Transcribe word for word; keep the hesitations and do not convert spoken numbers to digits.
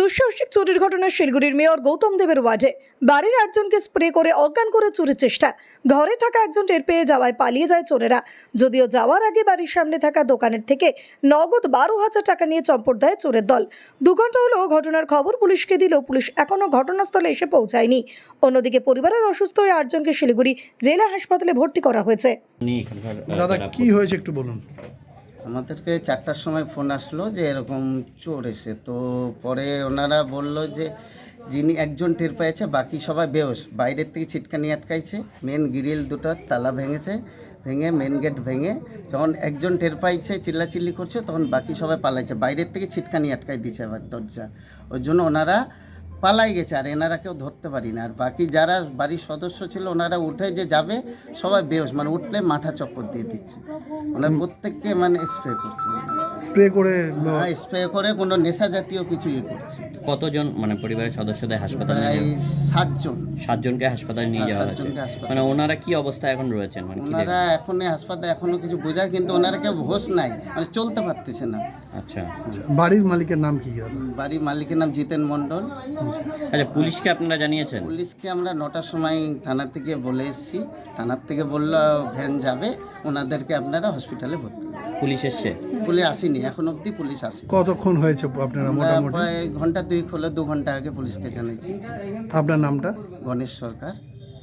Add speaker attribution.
Speaker 1: দুঃসাহসিক চুরির ঘটনা শিলিগুড়ির মেয়র গৌতম দেবের ওয়ার্ডে। বাড়ির একজনকে স্প্রে করে অজ্ঞান করে চুরির চেষ্টা। ঘরে থাকা একজন টের পেয়ে যাওয়ায় পালিয়ে যায় চোরেরা। যদিও যাওয়ার আগে বাড়ির সামনে থাকা দোকানের থেকে নগদ বারো হাজার টাকা নিয়ে চম্পট দেয় চোরের দল। দু ঘন্টা হলো ঘটনার খবর পুলিশকে দিলেও পুলিশ এখনও ঘটনাস্থলে এসে পৌঁছায়নি। অন্যদিকে পরিবারের অসুস্থ হয়ে আটজনকে শিলিগুড়ি জেলা হাসপাতালে ভর্তি করা হয়েছে।
Speaker 2: দাদা কি হয়েছে একটু বলুন।
Speaker 3: আমাদেরকে চারটার সময় ফোন আসলো যে এরকম চোর এসে, তো পরে ওনারা বলল যে যিনি একজন টের পেয়েছে, বাকি সবাই বেহোশ। বাইরের থেকে ছিটকানি আটকাইছে, মেন গ্রিল দুটো তালা ভেঙেছে, ভেঙে মেন গেট ভেঙে যখন একজন টের পাইছে চিল্লাচিল্লি করছে, তখন বাকি সবাই পালাইছে। বাইরের থেকে ছিটকানি আটকাই দিয়েছে আবার দরজা, ওই জন্য ওনারা পালাই গেছে। আর এনারা কেউ ধরতে পারি না। আর বাকি যারা বাড়ির সদস্য ছিল ওনারা উঠে যে যাবে সবাই বেহোশ, মানে উঠলে মাথা চক্কর দিয়ে দিচ্ছে। ওনার প্রত্যেককে মানে স্প্রে করছে,
Speaker 2: স্প্রে করে
Speaker 3: হ্যাঁ স্প্রে করে কোনো নেশা জাতীয় কিছু ইয়ে করছে।
Speaker 4: কতজন মানে পরিবারের সদস্যদের হাসপাতালে নিয়ে
Speaker 3: প্রায়
Speaker 4: যাওয়া-
Speaker 3: সাতজন
Speaker 4: সাতজনকে হাসপাতালে নিয়ে
Speaker 3: হ্যাঁ,
Speaker 4: যাওয়া হয়েছে।
Speaker 3: সাতজনকে হাসপাতালে।
Speaker 4: মানে ওনারা কি অবস্থায় এখন রয়েছেন, মানে কি
Speaker 3: ওনারা এখন হাসপাতালে এখনো কিছু বোঝায়, কিন্তু ওনারা কেউ হোশ নাই, মানে চলতে পারতেছে না।
Speaker 4: দেখ- আচ্ছা
Speaker 2: বাড়ির মালিকের নাম কি?
Speaker 3: বাড়ির মালিকের নাম জিতেন মণ্ডল।
Speaker 4: আচ্ছা পুলিশকে আপনারা জানিয়েছেন?
Speaker 3: পুলিশকে আমরা নটার সময় থানা থেকে বলে এসেছি। থানার থেকে বললো ভ্যান যাবে, ওনাদেরকে আপনারা হসপিটালে ভর্তি করুন।
Speaker 4: পুলিশ এসছে?
Speaker 3: পুলিশ আসেনি এখন অবধি, পুলিশ আসেনি।
Speaker 2: কতক্ষণ হয়েছে আপনারা
Speaker 3: আমরা
Speaker 2: মোটামুটি?
Speaker 3: প্রায় ঘন্টা দুই হলো, দু ঘন্টা আগে পুলিশকে জানিয়েছি।
Speaker 2: আপনার নামটা?
Speaker 3: গণেশ সরকার।